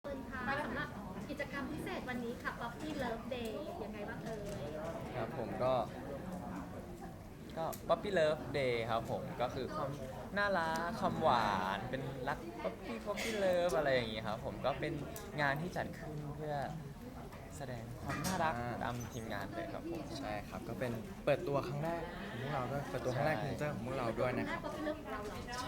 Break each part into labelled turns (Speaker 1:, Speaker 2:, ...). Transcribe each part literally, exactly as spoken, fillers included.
Speaker 1: นค่ะสำหรับกิจกรรมพิเศษวันนี้ค่ะ Puppy Love Day ยังไงบ้างเอ่ย
Speaker 2: ครับผมก็ก็ Puppy Love Day ครับผมก็คือความน่ารักความหวานเป็นรัก Puppy Puppy Love อะไรอย่างงี้ครับผมก็เป็นงานที่จัดขึ้นเพื่อแสดงความน่ารักตามทีมงานเลยครับผม
Speaker 3: ใช่ครับก็เป็นเปิดตัวครั้งแรกของพวกเราด้วยเปิดตัวครั้งแรกพรีเซนเตอร์ของพวกเราด้วยนะครับ
Speaker 1: Puppy Love ของเราเหรอ
Speaker 3: ใช่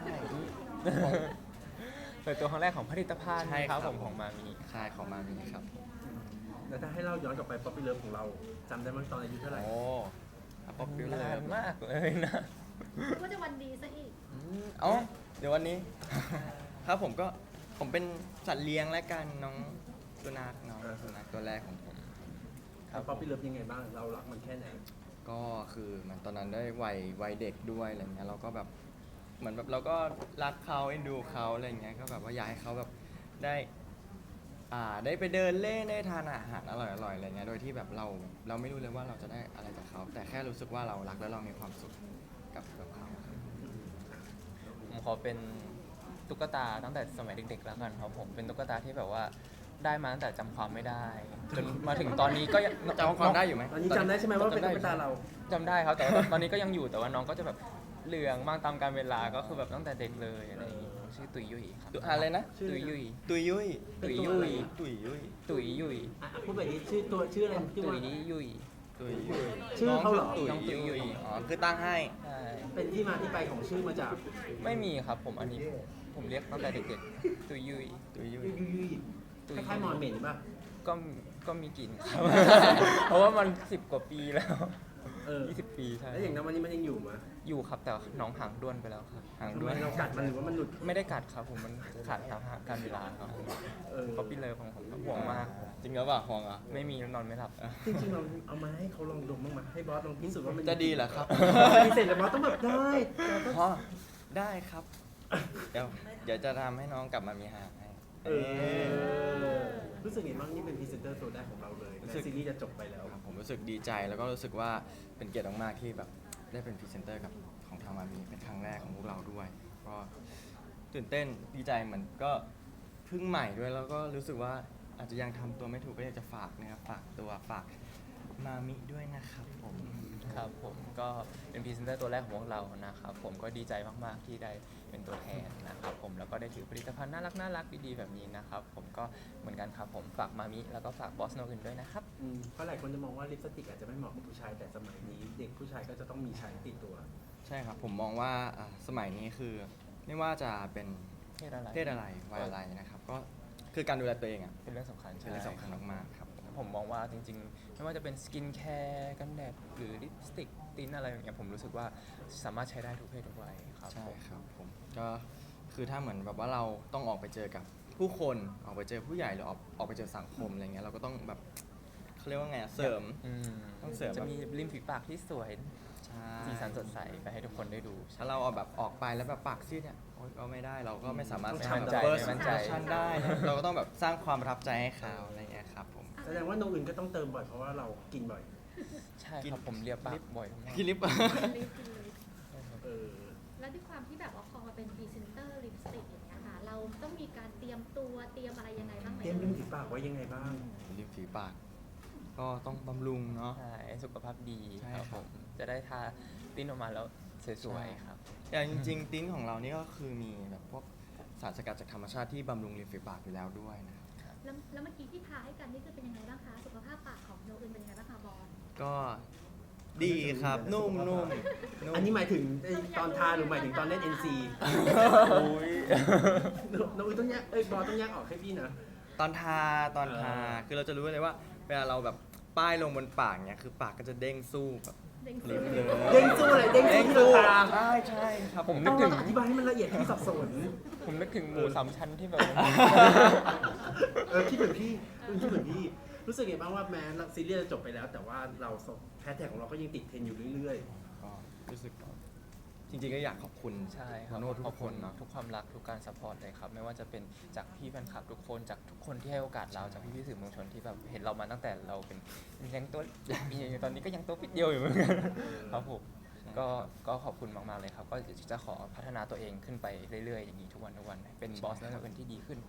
Speaker 2: เปิดตัวครั้งแรกของผลิตภัณฑ์
Speaker 3: ใช่
Speaker 2: ค
Speaker 3: ครั
Speaker 2: รับบ ผมของมามี
Speaker 3: ใช่ของมามีครับ
Speaker 4: แล้วถ้าให้เราย้อนกลับไปป๊อปปี้เลิฟของเราจำได้ไหมตอนอายุเท่าไหร่
Speaker 3: โอ้ป๊อปปี้เล
Speaker 2: นาย นมากเลยนะ
Speaker 1: ก็จะวันดีซะอีก
Speaker 3: เอ้าเดี๋ยววันนี้ ครับผมก็ผมเป็นสัตว์เลี้ยงและกันน้องสุนัขน้องสุนัขตัวแรกของผม
Speaker 4: ครับป๊อปปี้เลิฟยังไงบ้างเรารักมันแค่ไหน
Speaker 3: ก็คือมันตอนนั้นได้วัยวัยเด็กด้วยอะไรเงี้ยเราก็แบบเหมือนแบบเราก็รักเขาเอ็นดูเขาอะไรเงี้ยก็แบบว่าอยากให้เขาแบบได้อ่าได้ไปเดินเล่นได้ทานอาหารอร่อยอร่อยอะไรเงี้ยโดยที่แบบเราเราไม่รู้เลยว่าเราจะได้อะไรจากเขาแต่แค่รู้สึกว่าเรารักแล้วเรามีความสุขกับกับเขา
Speaker 2: ผมขอเป็นตุ๊กตาตั้งแต่สมัยเด็กๆแล้วกันครับผมเป็นตุ๊กตาที่แบบว่าได้มาตั้งแต่จำความไม่ได้จนมาถึงตอนนี้ก็ยัง
Speaker 3: จำความได้อยู่ไหม
Speaker 4: ตอนนี้จำได้ใช่ไหมว่าเป็นตุ๊กตาเรา
Speaker 2: จำได้ครับแต่ว่าตอนนี้ก็ยังอยู่แต่ว่าน้องก็จะแบบเหลืองมากตามกาลเวลาก็คือแบบตั้งแต่เด็กเลยอะไรอย่างงี้ชื่อตุยยุยครับ
Speaker 3: ตุอะไรนะ
Speaker 2: ตุยยุย
Speaker 3: ตุยยุย
Speaker 2: ตุยยุย
Speaker 3: ตุยยุย
Speaker 2: ตุยยุย
Speaker 4: อ่ะพูดแบบนี้ชื่อตัวชื่ออะไรชื่อ
Speaker 2: ตุ
Speaker 4: ว่าย
Speaker 2: ยุย
Speaker 3: ตุยยุย
Speaker 4: ชื่อเขาเหรอ
Speaker 3: ตุย
Speaker 2: น้องตุยยุย
Speaker 3: อ๋อคือตั้งให้
Speaker 2: ใช่
Speaker 4: เป็นที่มาที่ไปของชื่อมาจาก
Speaker 2: ไม่มีครับผมอันนี้ผมเรียกตั้งแต่เด็กๆตุยยุย
Speaker 3: ตุยยุย
Speaker 4: ยุยยุย
Speaker 2: ตุย
Speaker 4: คล้ายๆมอนเหม็นป่ะ
Speaker 2: ก็ก็มีกลิ่นครับ เพราะว่ามันสิบกว่าปีแล้ว
Speaker 4: เออ
Speaker 2: ยี่สิบปีใช่
Speaker 4: แล้วอย่างนั้นวันนี้มันยังอยู่ไหม
Speaker 2: อยู่ครับแต่น้องหางด้วนไปแล้วครับหาง
Speaker 4: ทำ
Speaker 2: ด้
Speaker 4: ไม
Speaker 2: วน
Speaker 4: เรากัดมันหรือว่ามันหลุด
Speaker 2: ไม่ได้กัดครับผมมันขาดตามการเวลาครับ
Speaker 4: เออ
Speaker 2: ป๊อปปี้เลิฟของผมห่วงมาก
Speaker 3: จริงหรือเปล่าห่วงเหรอ่ะ
Speaker 2: ไม่มีนอนไม่หลับ
Speaker 4: จริงๆเราเอามาให้เขาลองดมบ้างไหมให้บอสลองพิสูจน์ว่ามัน
Speaker 3: จะดีเหรอครับ
Speaker 4: พิเศษแต่บอสต้องแบบได้เราต้อง
Speaker 3: พ่อได้ครับ เดี๋ยวเดี๋ยวจะทำให้น้องกลับมามีหางให้
Speaker 4: เออรู้สึกไงบ้างนี่เป็นพรีเซนเตอร์ตัวแรกของเราเลย
Speaker 3: รู้
Speaker 4: แม้
Speaker 3: สึก
Speaker 4: ซีรีส์จะจบไปแล้ว
Speaker 3: ครับผมรู้สึกดีใจแล้วก็รู้สึกว่าเป็นเกียรติมากๆที่แบบได้เป็นพรีเซนเตอร์กับของทางมามีเป็นครั้งแรกของพวกเราด้วย ก็ตื่นเต้นดีใจเหมือนก็เพิ่งใหม่ด้วยแล้วก็รู้สึกว่าอาจจะยังทำตัวไม่ถูกก็อยากจะฝากนะครับฝากตัวฝากมามิด้วยนะครับผม
Speaker 2: ครับผมก็เป็นพรีเซนเตอร์ตัวแรกของพวกเรานะครับผมก็ดีใจมากๆที่ได้เป็นตัวแทนนะครับผมแล้วก็ได้ถือผลิตภัณฑ์น่ารักน่ารักดีๆแบบนี้นะครับผมก็เหมือนกันครับผมฝากมามิแล้วก็ฝากบอสโนอื่นด้วยนะครับ
Speaker 4: อืมเพราะหลายคนจะมองว่าลิปสติกอาจจะไม่เหมาะกับผู้ชายแต่สมัยนี้ เด็กผู้ชายก็จะต้องมีใช้ติดตัว
Speaker 3: ใช่ครับผมมองว่าอ่าสมัยนี้คือไม่ว่าจะเป็น
Speaker 2: เพศอะไร
Speaker 3: เพศอะไรวัยอะไรนะครับก็คือการดูแลตัวเองอ่ะ
Speaker 2: เป็นเรื่องสำคัญ
Speaker 3: เป็นเรื่องสำคัญมากๆครับผม
Speaker 2: ผมมองว่าจริงๆ ไม่ว่าจะเป็นสกินแคร์กันแดดหรือลิปสติกติ้นอะไรอย่างเงี้ยผมรู้สึกว่าสามารถใช้ได้ทุกเพศทุกวัยครับ
Speaker 3: ใช่
Speaker 2: ผม
Speaker 3: ครับผมก็คือถ้าเหมือนแบบว่าเราต้องออกไปเจอกับผู้คนออกไปเจอผู้ใหญ่หรือออกออกไปเจอสังคมอะไรเงี้ยเราก็ต้องแบบเขาเรียกว่าไงอะเสริม
Speaker 2: อืม
Speaker 3: ต้องเสริม
Speaker 2: จะมีริมฝีปากที่สวย
Speaker 3: ใช่
Speaker 2: สีสันสดใสไปให้ทุกคนได้ดู
Speaker 3: ถ้าเราเอาแบบออกไปแล้วแบบปากซีดเนี่ยโอ๊ยก็ไม่ได้เราก็ไม่สามารถ
Speaker 4: ต้อง
Speaker 3: สร้าง
Speaker 4: มั่น
Speaker 3: แบบ
Speaker 4: ใจ
Speaker 3: เบอร์
Speaker 2: มั่นใจ
Speaker 3: ชันได้นะเราก็ต้องแบบสร้างความประทับใจให้เขาอะไรเงี้ยครับผม
Speaker 4: แสดงว่าโนอื่นก็ต้องเติมบ่อยเพราะว่าเรากินบ่อย
Speaker 2: ใช่ครับผมเรียบปากบ่อยมาก
Speaker 3: คิลิป
Speaker 1: ลิปลิป
Speaker 4: เออ
Speaker 1: แล้วด้วยความที่แบบว่าพอมาเป็นพรีเซนเตอร์ลิปสติกอย่างเงี้ยค่ะ เราต้องมีการเตรียมตัวเตรียมอะไรยังไงบ้างไหม
Speaker 4: เตรียมริมฝีปากไว้ยังไงบ้าง
Speaker 3: ริมฝีปาก ก็ต้องบำรุงเนาะ
Speaker 2: ใช่สุขภาพดี
Speaker 3: ใช่
Speaker 2: ครับ
Speaker 3: ค
Speaker 2: ผ
Speaker 3: รับ
Speaker 2: มจะได้ทาติ้นออกมาแล้วสวยๆครับ
Speaker 3: อย่างจริงๆติ้นของเรานี่ก็คือมีแบบพวกสารสกัดจากธรรมชาติที่บำรุงริมฝีปากอยู่แล้วด้วยนะครับ
Speaker 1: แล้วแล้วเมื่อกี้ที่ทาให้กันนี่คือเป็นยังไงบ้างคะ สุขภาพปากของโนอื่นเป็นยังไงบ้างคะบอล
Speaker 3: ก็ดีครับนุ่มนุ่มนุ่ม
Speaker 4: อันนี้หมายถึงไอ้ตอนทาหรือหมายถึงตอนเล่น เอ็น ซี
Speaker 3: อุ้ย
Speaker 4: โนอื่นต้องแยกเอ้ยบอสต้องแยกออกให้พี่นะ
Speaker 3: ตอนทาตอนทา
Speaker 4: เออ
Speaker 3: คือเราจะรู้เลยว่าเวลาเราแบบป้ายลงบนปากเนี่ยคือปากก็จะเด้งสู้แบบ
Speaker 1: เด้ง
Speaker 3: ลิ
Speaker 1: สู้
Speaker 3: ฟต์เลย
Speaker 4: เด้งสู้อะไรเด้งสู้ที่เราทา
Speaker 3: ใช่ใช่ครับผม
Speaker 2: นึ
Speaker 4: ต้
Speaker 2: ก
Speaker 4: อง
Speaker 2: ถึง
Speaker 4: อธิบายให้มันละเอียดที่สับสน
Speaker 2: ผมนึกถึงหมูสามชั้นที่แบบ
Speaker 4: เออคิดเหมือนพี่คิดเหมือนพี่ รู้สึกไงบ้างว่าแม้ซีรีส์จะจบไปแล้ว แต่ว่าเราแฮชแท็กของเราก็ยังติดเทรนด์อยู่เรื่อย
Speaker 3: ก็รู้สึกจริงๆก็อยากขอบคุณ
Speaker 2: ใช่ครับ
Speaker 3: โน้ตทุ
Speaker 2: ขอบ
Speaker 3: กค
Speaker 2: คุณ
Speaker 3: นเนาะ
Speaker 2: ทุกความรักทุกการซัพพอร์ตเลยครับไม่ว่าจะเป็นจากพี่แฟนคลับทุกคนจากทุกคนที่ให้โอกาสเราจากพี่พี่ๆสื่อมวลชนที่แบบเห็นเรามาตั้งแต่เราเป็นยังตัวตอนนี้ก็ยังตัวปิดเดียวอยู่เหมือนกันครับผมก็ก็ขอบคุณมากๆเลยครับ ก็จะขอพัฒนาตัวเองขึ้นไปเรื่อยๆอย่างนี้ทุกวันทุกวันเป็นบอสและเป็นที่ดีขึ้นในทุกๆวัน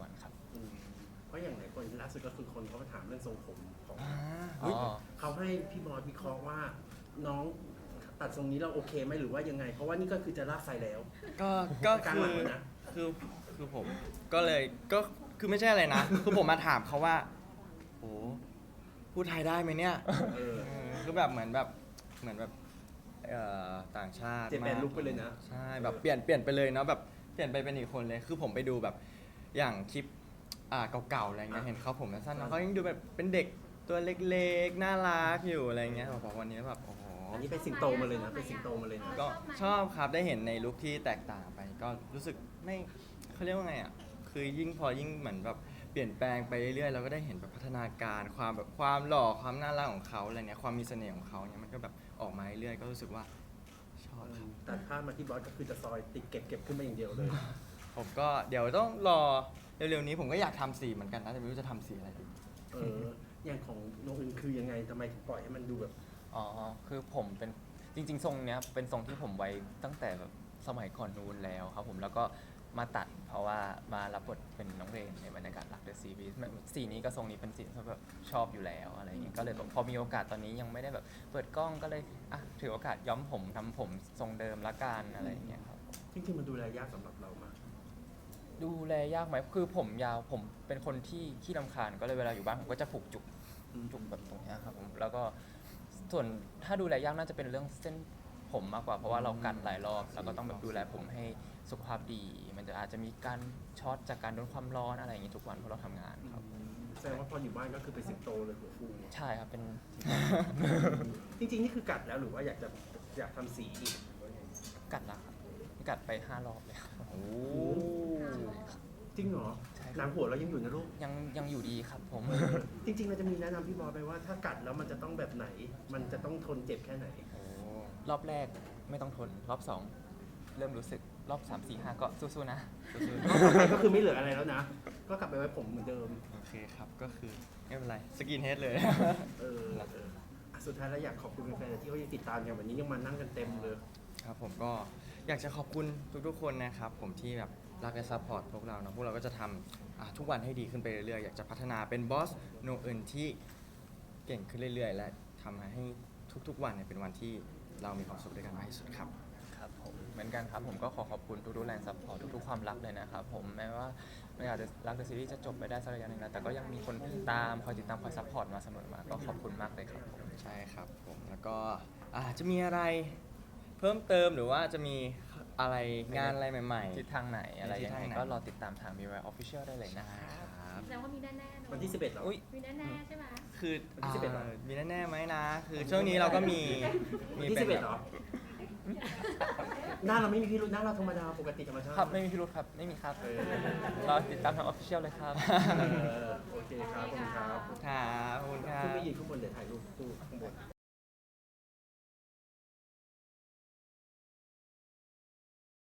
Speaker 2: วันครับ
Speaker 4: อืมเพราะอย่างหลายคนล่าสุดก็คือคนเขามาถามเรื่องทรงผมของ
Speaker 2: อ๋อ
Speaker 4: เขาให้พี่บอสวิเคราะห์ว่าน้องตัดทรงนี้เราโอเคไหมหรือว่ายังไง เพราะว่านี่ก็คือจะลากไฟแล้ว
Speaker 3: ก็ก็
Speaker 4: กลาง
Speaker 3: คื
Speaker 4: หลั
Speaker 3: อง
Speaker 4: เลยนะ
Speaker 3: คือคือผมก็เลยก็คือไม่ใช่อะไรนะ คือผมมาถามเขาว่าโอ้พูดไทยได้ไหมเนี่ย
Speaker 4: เออ
Speaker 3: เออคือแบบเหมือนแบบเหมือนแบบเอ่อต่างชาติ
Speaker 4: เจแปน
Speaker 3: มาก
Speaker 4: ลุกไปเลยนะ
Speaker 3: ใช่แบบเปลี่ยนเปลี่ยนไปเลยเนาะแบบเปลี่ยนไปเป็นอีกคนเลย คือผมไปดูแบบอย่างคลิปอ่าเก่าๆอะไรเงี้ย
Speaker 4: อ่ะ
Speaker 3: เห็นเขาผมสั้นๆนะเขายังดูแบบเป็นเด็กตัวเล็กๆน่ารักอยู่อะไรเงี้ยบอกวันนี้แบบโอ้โห
Speaker 4: อันนี้เป็นสิงโตมาเลยนะเป็นสิงโตมาเลยนะ
Speaker 3: ก็ชอบครับได้เห็นในลุคที่แตกต่างไป ก็รู้สึกไม่เขาเรียกว่าไงอ่ะคือยิ่งพอยิ่งเหมือนแบบเปลี่ยนแปลงไปเรื่อยๆเราก็ได้เห็นแบบพัฒนาการความแบบความหล่อความน่ารักของเขาอะไรเนี้ยความมีเสน่ห์ของเขาเนี่ยมันก็แบบออกมาเรื่อยๆก็รู้สึกว่าชอบครับ
Speaker 4: ตัดภาพมาที่บอสก็คือจะซอยติดเก็บเก็บขึ้นมาอย่างเดียวเลย
Speaker 3: ผมก็เดี๋ยวต้องรอเร็วๆนี้ผมก็อยากทำสีเหมือนกันนะแต่ไม่รู้จะทำสีอะไรดี
Speaker 4: เอออย่างของโนอื่นคือยังไงทำไมถึงปล่อยให้มันดูแบบ
Speaker 2: อ๋อ คือผมเป็นจริง ๆ ทรงเนี้ยเป็นทรงที่ผมไว้ตั้งแต่แบบสมัยก่อนนู้นแล้วครับผมแล้วก็มาตัดเพราะว่ามารับบทเป็นน้องเรนในบรรยากาศรักเดอะซีรีส์สีนี้กับทรงนี้เป็นสีที่แบบชอบอยู่แล้วอะไรอย่างเงี้ยก็เลยแบบพอมีโอกาสตอนนี้ยังไม่ได้แบบเปิดกล้องก็เลยอ่ะถือโอกาสย้อมผมทำผมทรงเดิมละกันอะไรอย่างเงี้ยครับ
Speaker 4: จริงๆมันดูแลยากสำหรับเรามาก
Speaker 2: ดูแลยากไหมคือผมยาวผมเป็นคนที่ขี้รำคาญก็เลยเวลาอยู่บ้านผมก็จะผูกจุก
Speaker 4: อืม
Speaker 2: จุกแบบตรงเนี้ยครับผมแล้วก็ส่วนถ้าดูแลยากน่าจะเป็นเรื่องเส้นผมมากกว่าเพราะว่าเรากัดหลายรอบแล้วก็ต้องแบบดูแลผมให้สุขภาพดี มันจะอาจจะมีการช็อตจากการโดนความร้อนอะไรอย่างงี้ทุกวันเพราะเราทำงานครับ
Speaker 4: แสดงว่าพออยู่บ้านก็คือเป็นสิงโตเลยหัวฟู
Speaker 2: ใช่ครับเป็น
Speaker 4: จริงๆนี่คือกัดแล้วหรือว่าอยากจะอยากทำสีอีก
Speaker 2: กัดละครับกัดไปห้ารอบเลยครับ
Speaker 3: โอ้
Speaker 4: จริงเหรอ
Speaker 2: ใช่ครับ
Speaker 4: หนังหัวเรายังอยู่นะลูก
Speaker 2: ยังยังอยู่ดีครับผม
Speaker 4: จริงๆเราจะมีแนะนำพี่บอสไปว่าถ้ากัดแล้วมันจะต้องแบบไหน มันจะต้องทนเจ็บแค่ไหน
Speaker 3: โห
Speaker 2: รอบแรกไม่ต้องทนรอบสองเริ่มรู้สึกรอบสามสี่ห้าก็สู้ๆนะสู้ๆ
Speaker 4: รอบต่อไปก็คือไม่เหลืออะไรแล้วนะ ก็กลับไปไว้ผมเหมือนเดิม
Speaker 3: โอเคครับก็คือไม่เป็นไรสกินเฮดเลย
Speaker 4: เออเอออ่ะสุดท้ายแล้วอยากขอบคุณแฟนๆที่เขายังติดตามกันวันนี้ยังมานั่งกันเต็มเลย
Speaker 3: ครับผมก็อยากจะขอบคุณทุกๆคนนะครับผมที่แบบรักและซัพพอร์ตพวกเราเนาะพวกเราก็จะทำอ่ะทุกวันให้ดีขึ้นไปเรื่อยๆอยากจะพัฒนาเป็นบอสโนเอินที่เก่งขึ้นเรื่อยๆ และทำให้ทุกๆวันเนี่ยเป็นวันที่เรามีความสุขด้วยกันมากที่สุดครับ
Speaker 2: ครับผมเหมือนกันครับผมก็ขอขอบคุณทุกๆแรงซัพพอร์ตทุกๆความรักเลยนะครับผมแม้ว่าไม่อาจจะรักเดอะซีรีส์จะจบไปได้สักระยะหนึ่งแล้วแต่ก็ยังมีคนตามคอยติดตามคอยซัพพอร์ตมาเสมอมาก็ขอบคุณมากเลยครับผม
Speaker 3: ใช่ครับผมแล้วก็อาจจะมีอะไรเพิ่มเติมหรือว่าจะมีอะไรงานอะไรใหม่ๆ
Speaker 2: ทิศทางไหนอะไรยังไง
Speaker 3: ทิศทางไหน
Speaker 2: ก็รอติดตามทาง บี วาย Official ได้เลยนะค
Speaker 3: ใช่
Speaker 2: รับ
Speaker 3: ครับ
Speaker 1: แสดงว่ามีแน่ๆเนอะ
Speaker 4: วันที่สิบเอ็ดเหรอ
Speaker 2: อุ้ย
Speaker 1: มีแน่ๆใช่ไหม
Speaker 3: คือ
Speaker 4: วันที่สิบเอ็ดเหรอ
Speaker 3: อ่ามีแน่ๆไหมนะ คือช่วงนี้เราก็มี
Speaker 4: วันที่สิบเอ็ดเหรอ หน้าเราไม่มีพิรุธหน้าเราธรรมดาปกติธรรมชาติ
Speaker 2: ครับไม่มีพิรุธครับไม่มีครับ
Speaker 4: เออ
Speaker 2: รอติดตามทาง Official เลยครับ
Speaker 4: เออโอเคครับขอบคุณครับ
Speaker 3: ครับขอบคุณครั
Speaker 4: ขึ้นไป
Speaker 3: บ
Speaker 4: ยืนข้างบนเดี๋ยวถ่ายรูปคู่ข้างบน